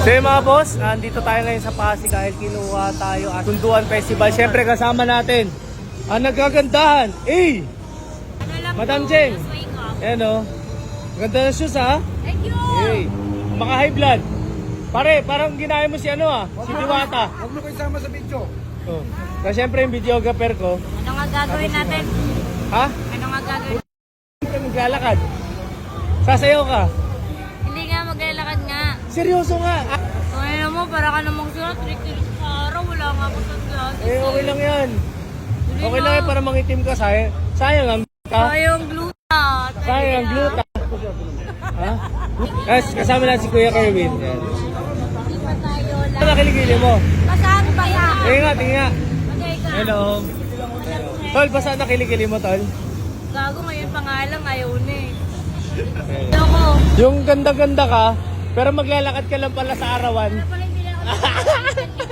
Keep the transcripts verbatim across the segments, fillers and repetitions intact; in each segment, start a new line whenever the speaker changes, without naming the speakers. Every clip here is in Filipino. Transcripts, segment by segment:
So yung mga boss, nandito tayo ngayon sa Pasig dahil kinuha tayo at Sunduan Festival. Siyempre kasama natin ang nagkagandahan. Eh! Madam Jeng! Ayan o. Ganda ng shoes ha?
Thank you!
Eh! Maka high blood. Pare, parang ginaya mo si ano ah, si Diwata.
Huwag mo kayo sama sa video.
Oh. Kasi siyempre yung videographer ko.
Ano nga gagawin natin?
Ha?
Ano nga gagawin?
Siyempre maglalakad. Sasayaw ka.
Hindi nga maglalakad nga.
Seryoso nga. Ah,
So ano mo, para ka namang sulat, trick sa araw, wala nga ako sa glasses.
eh okay lang yan. Okay lang yan para mangitim ka. Sayang, sayang ang ka.
Sayang gluta.
Sayang ang gluta. Ha? Guys, kasama na si Kuya Kerwin. Yan.
Hindi pa tayo
Ano
lang.
nakiligili mo?
Pasaan pa yan?
Tingin nga, tingin nga.
Magay ka.
Hello. Tol, basta nakiligili mo, Tol?
Gago ngayon pa nga lang, ayaw na eh. Ako.
Yung ganda-ganda ka, pero maglalakad ka lang pala sa arawan.
Ano pala hindi na ako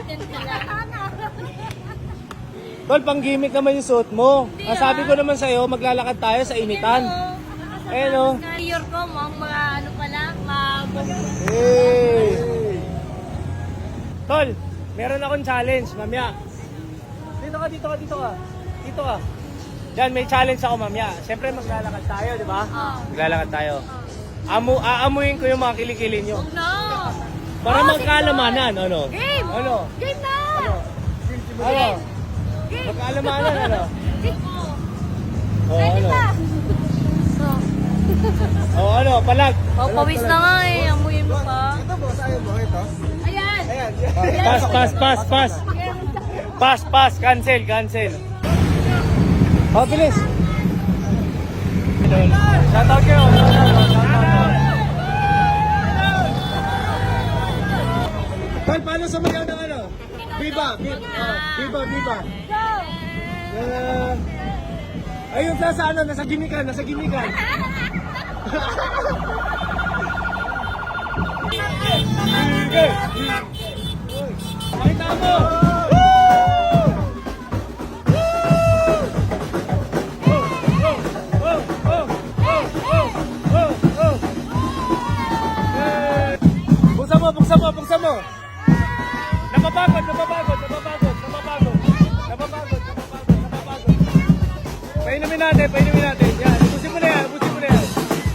Tol, pang gimmick naman yung suot mo. Ang sabi ko naman sa'yo, maglalakad tayo sa initan. Ayun o.
Year ko, mga mga ano pala, mga
Hey! Tol, meron akong challenge, mamaya. Dito ka, dito ka, dito ka. Dito ka. Yan, may challenge ako mamaya. Siyempre maglalakad tayo, di ba?
Oh.
Maglalakad tayo. Amu aamuin ko yung mga kilikili nyo.
No!
Para
Oh,
magkaalamanan, ano?
Game!
Ano?
Game na!
Ano? Ano?
Game!
Magkaalamanan, ano?
Game!
Oh,
Pwede
ano?
pa! So,
Oh, ano? Palag.
papawis na nga eh. Amuyin mo pa.
Ito boss, ayaw mo ito.
Ayan!
Ayan.
Pass, pass, pass, pass. Pass, pass. Cancel, cancel. Oh, bilis. Shoutout kayo. Tol, paano sa mga ng ano? Viva, viva, oh, viva, viva. Uh, ayun, nasa ano, nasa gimikan, nasa gimikan. Sige. Pakita mo. Buksan mo, buksan mo, buksan mo. Napapagod, napapagod, napapagod, napapagod. Napapagod, napapagod, napapagod. Painumin natin, painumin natin. Yan, ubusin mo na yan, ubusin mo na yan.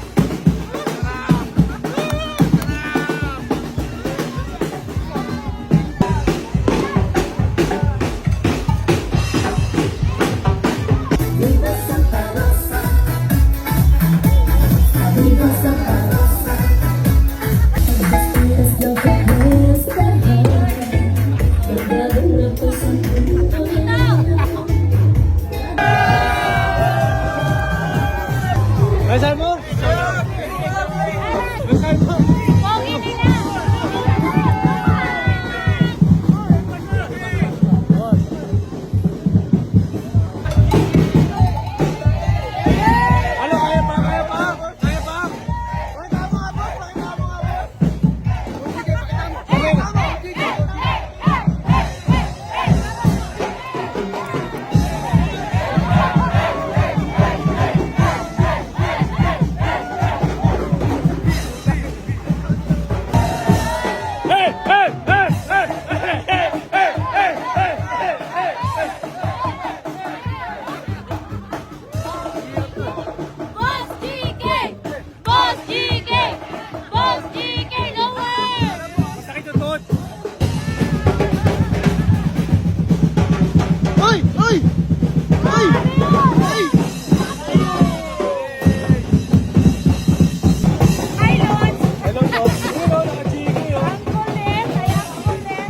Nasaan mo? Nasaan mo?
Pogi nila!
Ano, kaya pa, kaya pa? Kaya pa?
Pakita mo nga boss, pakita mo nga boss. Sige, pakita mo. Pakita mo. Sige.
Hey, hey, hey, hey, hey, hey, hey, hey, hey, hey, hey.
Boss G K! Boss G K! Boss G K! Nowhere!
Masakit yung tuhod.
Ay! Ay! Ay! Ay!
Hi, Lord!
Hello, Tom. Hello, naka-chiki, oh.
Ang kulit! Ay, ang kulit!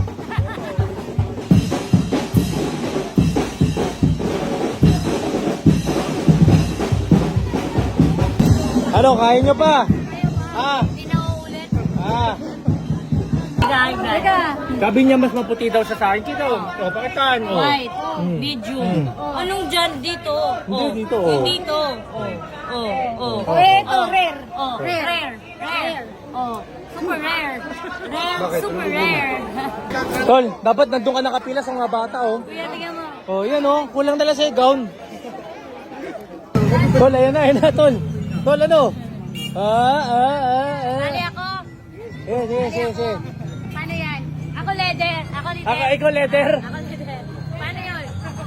Ano, kain nyo pa? Ah,
Hindi na uulit.
ah.
Teka!
Sabi niya mas maputi daw siya sa akin. Kita, oh. Oh, pakitaan, oh.
White.
Mm.
Medium. Anong dyan? Dito.
Hindi,
Oh.
dito, oh.
Dito. Oh. Oh. Oh.
Eh, ito,
Oh.
rare.
Oh.
Rare.
Rare. Rare. Oh. Super rare. Rare.
Bakit?
Super
Ano
rare.
Tol, dapat nandun ka nakapila sa mga bata, oh.
Kuya, tingnan mo.
Oh, yan, oh. Kulang dala sa gown. Tol, ayan na, ayan na, Tol. Tol, ano? Ah, ah, ah, ah.
Sali ako.
Eh, sige, sige, sige.
Sali Ako leader. Ako leader.
Ako, ikaw leader.
Ako leader. Paano yun?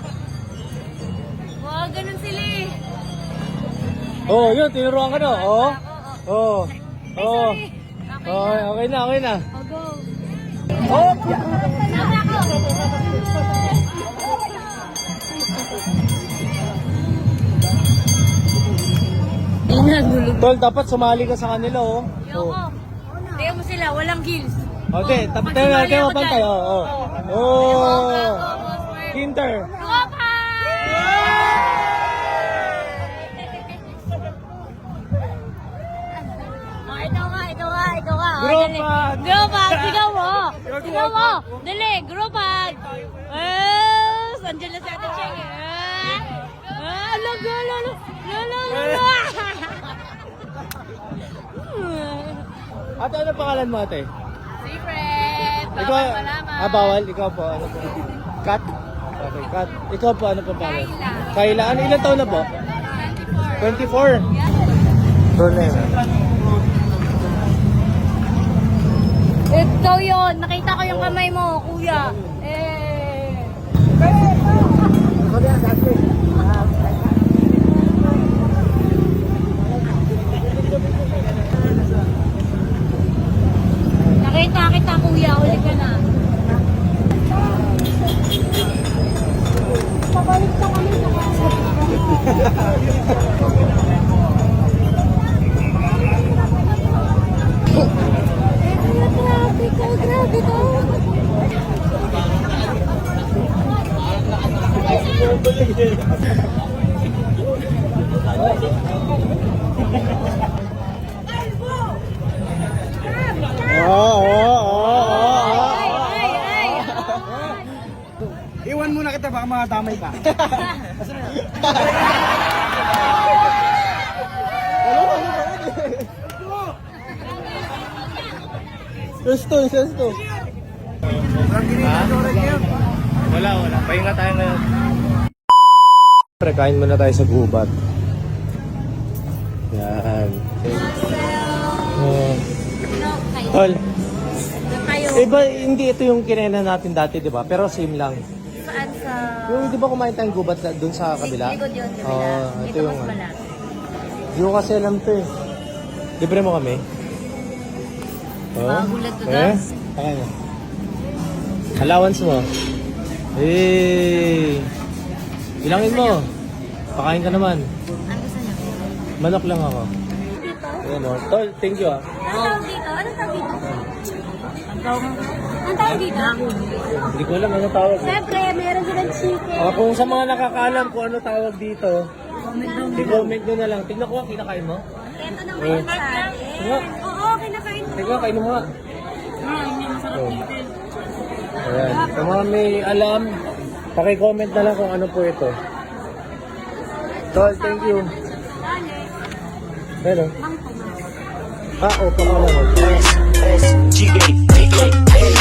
Wow, ganun sila eh.
Oh, yun, tinuruan ka na. Oh. Oh.
Ay,
Oh.
sorry. Okay.
Okay, okay na, okay na.
Oh, go.
Oh!
Sama ako. Inagulog.
Tol, dapat sumali ka sa kanila, oh.
Yoko. Tingnan mo sila, walang gills.
Okay,
Oh,
tapos
pag
tayo,
sumali
tayo
ako
mapantay.
dyan.
Oh, oh.
Oh.
Oh.
Boss Merv.
Kinter.
Tropa! Oh, ikaw nga, ikaw nga, ikaw nga. Oh, dali.
Grupag!
Grupag, sigaw mo. Sigaw mo. Dali, grupag. Eh, sandiyan na si Ate Cheng. Eh, ah, lago, lalo, lalo, lalo.
Ate, ano pangalan mo, ate?
Secret.
Ikaw,
Bawal malaman.
ah, bawal. Ikaw po, ano po? Kat? Okay, Kat. Ikaw po, ano po pangalan?
Kayla.
Kayla. Ano, ilan taon na po?
twenty-four.
twenty-four.
Yeah.
Ronen.
Ikaw yun. Nakita ko yung kamay mo, kuya. Eh. Nakita kita, kuya. Uli ka na. Pabalik ka kami sa grabe ko, grabe ko.
Oo, oo, oo, oo.
Ay, ay, ay.
Iwan muna kita, baka makatamay ka.
Sesto, sesto. Wala, wala. Pahinga tayo ngayon. Pre, kain muna tayo sa gubat. Yan. Oh.
No, kayo.
Tol,
Kayo.
iba, hindi ito yung kinena natin dati, di ba? Pero same lang.
Saan sa...
Yung, di ba kumain tayong gubat sa, dun sa kabila?
Likod yun, kabila.
Oo, ito
Ito
yung...
mas malaki.
Hindi ko kasi alam to eh. Libre mo kami? Oh.
Magulat to,
Eh?
guys.
Ayan. Allowance mo. Eh. Bilangin mo. Pakain ka naman.
Ano gusto niyo?
Manok lang ako.
Dito?
Ayan o. Tol, thank you ah.
Ano tawag dito? Ano tawag dito? Ang tawag dito?
Hindi ko alam ano tawag.
Siyempre, meron silang chicken.
O, kung sa mga nakakaalam kung ano tawag dito, i-comment nyo na lang. Tignan ko, kinakain mo?
Ito naman
Eh.
yung sa atin.
Tingnan.
Oo, kinakain ko.
Tignan, kain mo nga. Oh. Ayan. Sa mga may alam, paki-comment na lang kung ano po ito. Tol, thank you.
Dali.
Ano?
Mangkong.
Ah, o, pangalan mo.
S G A